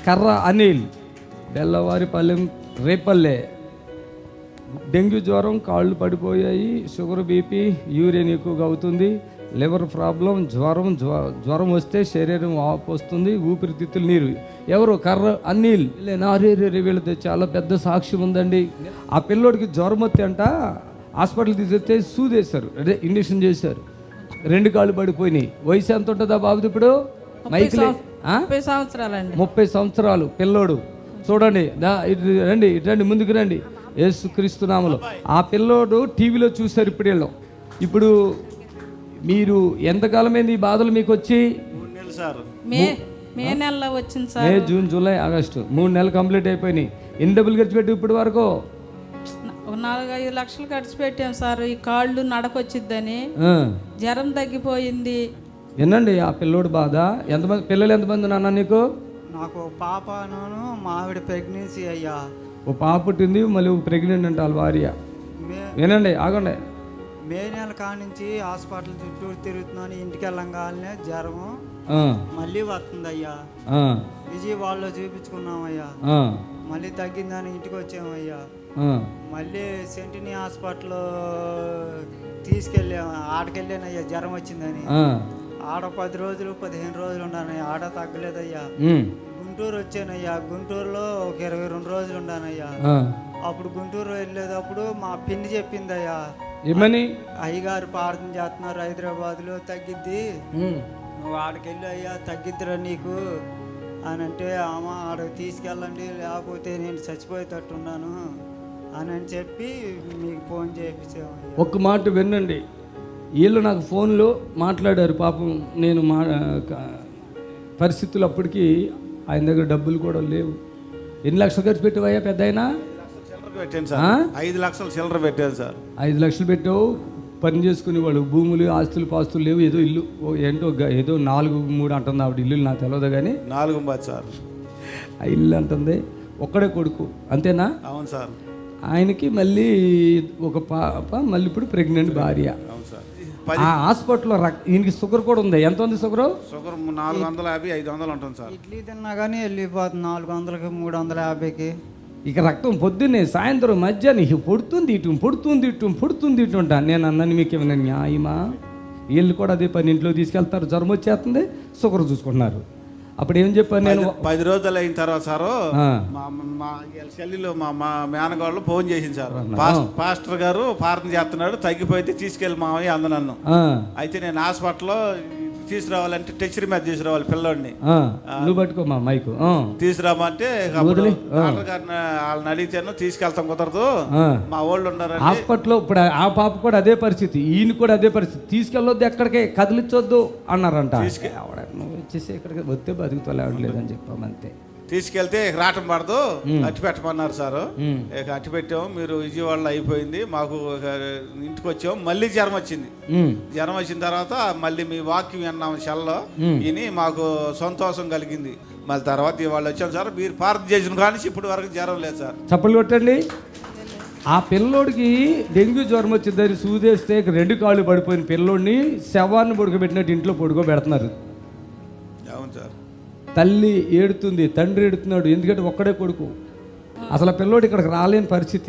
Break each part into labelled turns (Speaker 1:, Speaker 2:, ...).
Speaker 1: కర్ర అనిల్, బెల్లవారిపల్లెం రేపల్లె. డెంగ్యూ జ్వరం, కాళ్ళు పడిపోయాయి, షుగర్, బీపీ, యూరిన్ ఎక్కువగా అవుతుంది, లివర్ ప్రాబ్లం, జ్వరం వస్తే శరీరం వాపు వస్తుంది, ఊపిరితిత్తులు నీరు. ఎవరు? కర్ర అనిల్. నారేరే వీళ్ళది చాలా పెద్ద సాక్ష్యం ఉందండి. ఆ పిల్లోడికి జ్వరం వస్తే అంట హాస్పిటల్ తీసుకొస్తే సూదేశారు, అదే ఇంజక్షన్ చేశారు, 2 కాళ్ళు పడిపోయినాయి. వయసు ఎంత ఉంటుందా బాబుది ఇప్పుడు?
Speaker 2: 30 సంవత్సరాలండి.
Speaker 1: 30 సంవత్సరాలు పిల్లోడు. చూడండి, ఇటు రండి, ముందుకు రండి. యేసుక్రీస్తు నామములో ఆ పిల్లోడు టీవీలో చూశారు. ఇప్పుడు మీరు ఎంతకాలమైంది ఈ బాధలు మీకు వచ్చి?
Speaker 3: 3 నెలలు సార్.
Speaker 2: మే నెలలో వచ్చింది sir.
Speaker 1: May, June, July, August 3 నెలలు కంప్లీట్ అయిపోయినాయి. ఎన్ని డబ్బులు ఖర్చు పెట్టి ఇప్పటి వరకు?
Speaker 2: 4-5 లక్షలు ఖర్చు పెట్టాం సార్. ఈ కాళ్ళు నడకొచ్చిద్దని. జ్వరం తగ్గిపోయింది.
Speaker 1: వినండి ఆ పిల్లోడు బాధ. ఎంతమంది పిల్లలు? ఎంతమంది నాన్న నీకు?
Speaker 4: నాకు పాపను, మా ఆవిడ ప్రెగ్నెన్సీ అయ్యా.
Speaker 1: ఓ పాప పుట్టింది, మళ్ళీ ప్రెగ్నెంట్ అంట వాళ్ళ భార్య. వినండి, ఆగండి.
Speaker 4: మే నెల కానించి హాస్పిటల్ చుట్టూ తిరుగుతున్నాను. ఇంటికి వెళ్ళంగానే జ్వరము మళ్ళీ వస్తుంది అయ్యా. విజయవాడలో చూపించుకున్నామయ్యా, మళ్ళీ తగ్గిందని ఇంటికి వచ్చామయ్యా. మళ్ళీ సెంటినీ హాస్పిటల్ తీసుకెళ్ళాము. ఆడకెళ్ళానయ్యా జ్వరం వచ్చిందని. ఆడ 10 రోజులు 15 రోజులు ఉన్నానయ్యా, ఆడ తగ్గలేదయ్యా. గుంటూరు వచ్చానయ్యా, గుంటూరులో ఒక 22 రోజులు ఉన్నానయ్యా. అప్పుడు గుంటూరు వెళ్ళేటప్పుడు మా పిన్ని చెప్పిందయ్యా,
Speaker 1: ఏమని?
Speaker 4: అయ్యగారు ప్రార్థన చేస్తున్నారు హైదరాబాద్లో, తగ్గిద్ది, నువ్వు ఆడకెళ్ళి అయ్యా తగ్గిద్దిరా నీకు అని అంటే, అమ్మ ఆడకు తీసుకెళ్ళండి లేకపోతే నేను చచ్చిపోయేటట్టున్నాను అని చెప్పి మీకు ఫోన్ చేయించాము.
Speaker 1: ఒక్క మాట వినండి, వీళ్ళు నాకు ఫోన్లో మాట్లాడారు. పాపం నేను పరిస్థితులు అప్పటికి ఆయన దగ్గర డబ్బులు కూడా లేవు. ఎన్ని లక్షలు ఖర్చు పెట్టావయ్యా పెద్ద అయినా?
Speaker 3: 5 లక్షలు చిల్లర పెట్టాను సార్.
Speaker 1: 5 లక్షలు పెట్టావు. పని చేసుకుని వాళ్ళు భూములు, ఆస్తులు, పాస్తులు లేవు. ఏదో ఇల్లు ఏంటో ఏదో 4-3 అంటుంది ఆవిడ. ఇల్లు నాకు తెలియదు కానీ
Speaker 3: 4 సార్
Speaker 1: ఆ ఇల్లు అంటుంది. ఒక్కడే కొడుకు, అంతేనా?
Speaker 3: అవును సార్.
Speaker 1: ఆయనకి మళ్ళీ ఒక పాప, మళ్ళీ ఇప్పుడు ప్రెగ్నెంట్ భార్య.
Speaker 3: అవును సార్.
Speaker 1: ఆ హాస్పిటల్లో ఈయనకి షుగర్ కూడా ఉంది. ఎంత ఉంది షుగర్?
Speaker 3: 450-500 ఉంటుంది సార్.
Speaker 4: ఇడ్లీ తిన్నా కానీ వెళ్ళిపోతుంది 400కి 350కి.
Speaker 1: ఇక రక్తం పొద్దున్నే, సాయంత్రం, మధ్యాహ్నం పొడుతుంది ఇటు ఉంటా. నేను అన్నాను, మీకు ఏమైనా న్యాయమా? వీళ్ళు కూడా అదే పని, ఇంట్లో తీసుకెళ్తారు, జ్వరం వచ్చేస్తుంది, షుగర్ చూసుకుంటున్నారు. అప్పుడు ఏం చెప్పాను నేను?
Speaker 3: 10 రోజులు అయిన తర్వాత సారు మా చెల్లిలో మా మేనగాళ్ళు ఫోన్ చేసింది సార్. పాస్టర్ గారు ప్రార్థన చేస్తున్నాడు, తగ్గిపోతే తీసుకెళ్ళి మామయ్య అంద నన్ను. అయితే నేను హాస్పిటల్లో తీసుకురావాలంటే టెచ్చరి మీద తీసుకురావాలి పిల్లోడిని.
Speaker 1: నువ్వు పట్టుకో మా మైకు.
Speaker 3: తీసుకురామంటే వాళ్ళని అడిగితేను తీసుకెళ్తాం కుదరదు, మా వాళ్ళు ఉన్నారు
Speaker 1: హాస్పిటల్లో. ఇప్పుడు ఆ పాప కూడా అదే పరిస్థితి, ఈయన కూడా అదే పరిస్థితి. తీసుకెళ్ళొద్దు, ఎక్కడికే కదిలించొద్దు అన్నారంట. నువ్వు వచ్చేసి ఇక్కడికి వస్తే బతుకుతలేదని చెప్పామంతే.
Speaker 3: తీసుకెళ్తే రావటం పడదు, అట్టి పెట్టమన్నారు సార్. ఇక అట్టి పెట్టాము. మీరు విజయవాడలో అయిపోయింది, మాకు ఇంటికి వచ్చాము. మళ్ళీ జ్వరం వచ్చింది. జ్వరం వచ్చిన తర్వాత మళ్ళీ మీ వాక్యం విన్నాము సెల్లో, విని మాకు సంతోషం కలిగింది. మళ్ళీ తర్వాత ఇవాళ వచ్చాం సార్. మీరు ప్రార్థన చేసిన కానీ ఇప్పటి వరకు జ్వరం లేదు సార్.
Speaker 1: చప్పలు కొట్టండి. ఆ పిల్లోడికి డెంగ్యూ జ్వరం వచ్చిందని సూదేస్తే 2 కాళ్ళు పడిపోయిన పిల్లోడిని శవాన్ని పడుకోబెట్టినట్టు ఇంట్లో పడుకోబెడుతున్నారు.
Speaker 3: అవును సార్.
Speaker 1: తల్లి ఏడుతుంది, తండ్రి ఏడుతున్నాడు, ఎందుకంటే ఒక్కడే కొడుకు. అసలు ఆ పిల్లోడు ఇక్కడికి రాలేని పరిస్థితి.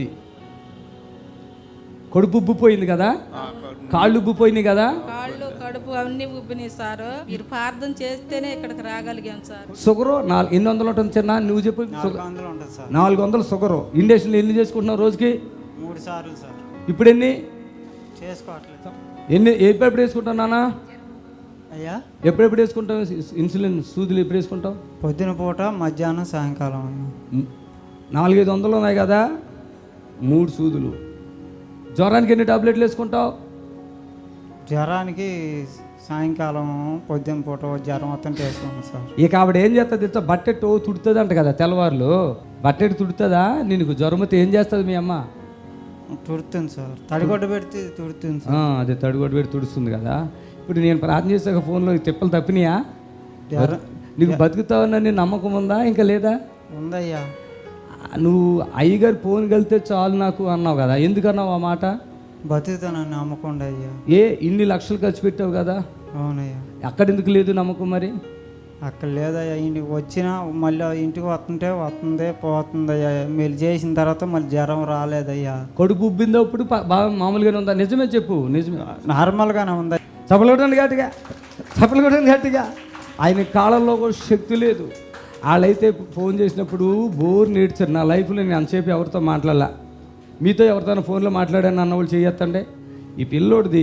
Speaker 1: కడుపు ఉబ్బిపోయింది కదా, కాళ్ళు ఉబ్బిపోయినాయి కదా,
Speaker 2: కాళ్ళు, కడుపు అన్ని ఉబ్బినాయి సార్. మీరు ప్రార్థన చేస్తేనే ఇక్కడికి రాగలిగాం సార్.
Speaker 1: షుగరు 800 ఉంటుంది చిన్న, నువ్వు చెప్పు.
Speaker 4: 400 ఉంటుంది సార్.
Speaker 1: 400 షుగరు. ఇండక్షన్లు ఎన్ని చేసుకుంటున్నావు రోజుకి?
Speaker 4: 3 సార్లు సార్.
Speaker 1: ఇప్పుడు ఎన్ని
Speaker 4: చేసుకోవట్లేదు.
Speaker 1: ఎప్పుడు వేసుకుంటావు నాన్న?
Speaker 4: అయ్యా
Speaker 1: ఎప్పుడెప్పుడు వేసుకుంటావు ఇన్సులిన్ సూదులు? ఎప్పుడు వేసుకుంటావు?
Speaker 4: పొద్దున పూట, మధ్యాహ్నం, సాయంకాలం.
Speaker 1: 400-500 ఉన్నాయి కదా, 3 సూదులు. జ్వరానికి ఎన్ని టాబ్లెట్లు వేసుకుంటావు?
Speaker 4: జ్వరానికి సాయంకాలం, పొద్దున పూట జ్వరం మొత్తం వేసుకున్నాను సార్.
Speaker 1: ఇక ఆవిడ ఏం చేస్తుంది? బట్టెట్టు తుడుతుంది అంట కదా తెల్లవారులు. బట్టెట్టు తుడుతుందా? నీకు జ్వరం అయితే ఏం చేస్తుంది మీ అమ్మ?
Speaker 4: తుడుతుంది సార్. తడిగొడ్డ పెడితే తుడుతుంది సార్.
Speaker 1: అదే తడిగొడ్డ పెట్టి తుడుస్తుంది కదా. ఇప్పుడు నేను ప్రార్థన చేసాక ఫోన్లో తిప్పలు తప్పినాయా? నీకు బతుకుతావని నమ్మకం ఉందా ఇంకా లేదా?
Speaker 4: ఉందయ్యా.
Speaker 1: నువ్వు అయ్యగారు ఫోన్ కలితే చాలు నాకు అన్నావు కదా, ఎందుకన్నావు ఆ మాట?
Speaker 4: బతుకుతానని నమ్మకం అయ్యా.
Speaker 1: ఇన్ని లక్షలు ఖర్చు పెట్టావు కదా.
Speaker 4: అవునయ్యా.
Speaker 1: ఎక్కడెందుకు లేదు నమ్మకం మరి?
Speaker 4: అక్కడ లేదయ్యా, ఇంటికి వచ్చినా మళ్ళీ ఇంటికి వస్తుంది పోతుందయ్యా. మీరు చేసిన తర్వాత మళ్ళీ జ్వరం రాలేదయ్యా.
Speaker 1: కడుపు ఉబ్బిందో ఇప్పుడు బాగా మామూలుగానే ఉందా? నిజమే చెప్పు, నిజమే.
Speaker 4: నార్మల్గానే ఉంది.
Speaker 1: చప్పలు కొట్టండి గట్టిగా, చప్పలు కొట్టండి గట్టిగా. ఆయన కాలంలో కూడా శక్తి లేదు. వాళ్ళైతే ఫోన్ చేసినప్పుడు బోర్ నేడ్చారు. నా లైఫ్లో నేను అంతసేపు ఎవరితో మాట్లాడాల, మీతో ఎవరితో ఫోన్లో మాట్లాడాను అన్న వాళ్ళు చేయొత్తండి. ఈ పిల్లోడిది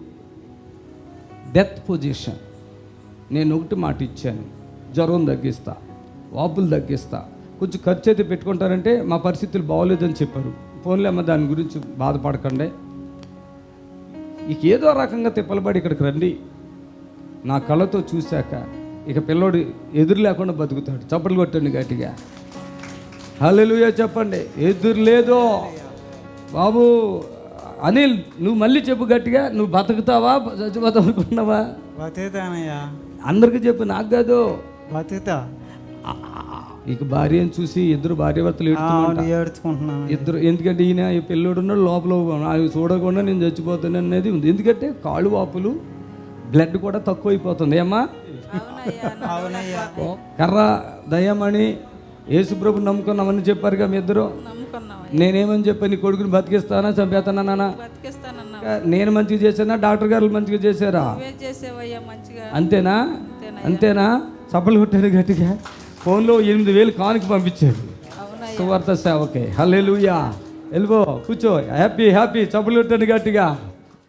Speaker 1: డెత్ పొజిషన్. నేను ఒకటి మాట ఇచ్చాను, జ్వరం తగ్గిస్తా, వాపులు తగ్గిస్తా, కొంచెం ఖర్చు అయితే పెట్టుకుంటారంటే మా పరిస్థితులు బాగోలేదని చెప్పారు. ఫోన్లో అమ్మ దాని గురించి బాధపడకండి, ఇక ఏదో రకంగా తిప్పలబడి ఇక్కడికి రండి. నా కళ్ళతో చూశాక ఇక పిల్లోడు ఎదురు లేకుండా బతుకుతాడు. చప్పట్లు కొట్టండి గట్టిగా, హల్లెలూయా చెప్పండి. ఎదురు లేదో బాబు. అనిల్, నువ్వు మళ్ళీ చెప్పు గట్టిగా, నువ్వు బతుకుతావా చచ్చిపోతావు అనుకున్నావా?
Speaker 4: బతుకుతానయ్యా.
Speaker 1: అందరికీ చెప్పు, నాకు కాదు.
Speaker 4: బతుకుతా.
Speaker 1: ఇక భార్యను చూసి ఇద్దరు భార్యాభర్తలు
Speaker 4: ఏడ్చుకుంటున్నాను.
Speaker 1: ఇద్దరు, ఎందుకంటే ఈయన ఈ పిల్లోడు ఉన్నాడు లోపల, అవి చూడకుండా నేను చచ్చిపోతాను అనేది ఉంది. ఎందుకంటే కాళ్ళు వాపులు, బ్లడ్ కూడా తక్కువ అయిపోతుంది. ఏమ్మా?
Speaker 4: అవునయ్యా.
Speaker 1: కర్ర దయ్యమని యేసుప్రభు నమ్ముకున్నామని చెప్పారుగా మీ ఇద్దరు.
Speaker 2: నమ్ముకున్నాం,
Speaker 1: నేనేమని చెప్పాను, నీ కొడుకుని బతికిస్తానా చంపేస్తానా నాన్న?
Speaker 2: బతికిస్తానన్నా.
Speaker 1: నేను మంచిగా చేశానా, డాక్టర్ గారు మంచిగా చేశారా?
Speaker 2: నువ్వే చేసేవయ్యా మంచిగా.
Speaker 1: అంతేనా? అంతేనా? చప్పలు కొట్టాడు గట్టిగా. ఫోన్లో 8,000 కానుక పంపించాడు సువార్త సేవకే. హల్లెలూయా. వెళ్ళిపో, కూర్చో, హ్యాపీ హ్యాపీ. చప్పలు కొట్టాడు గట్టిగా.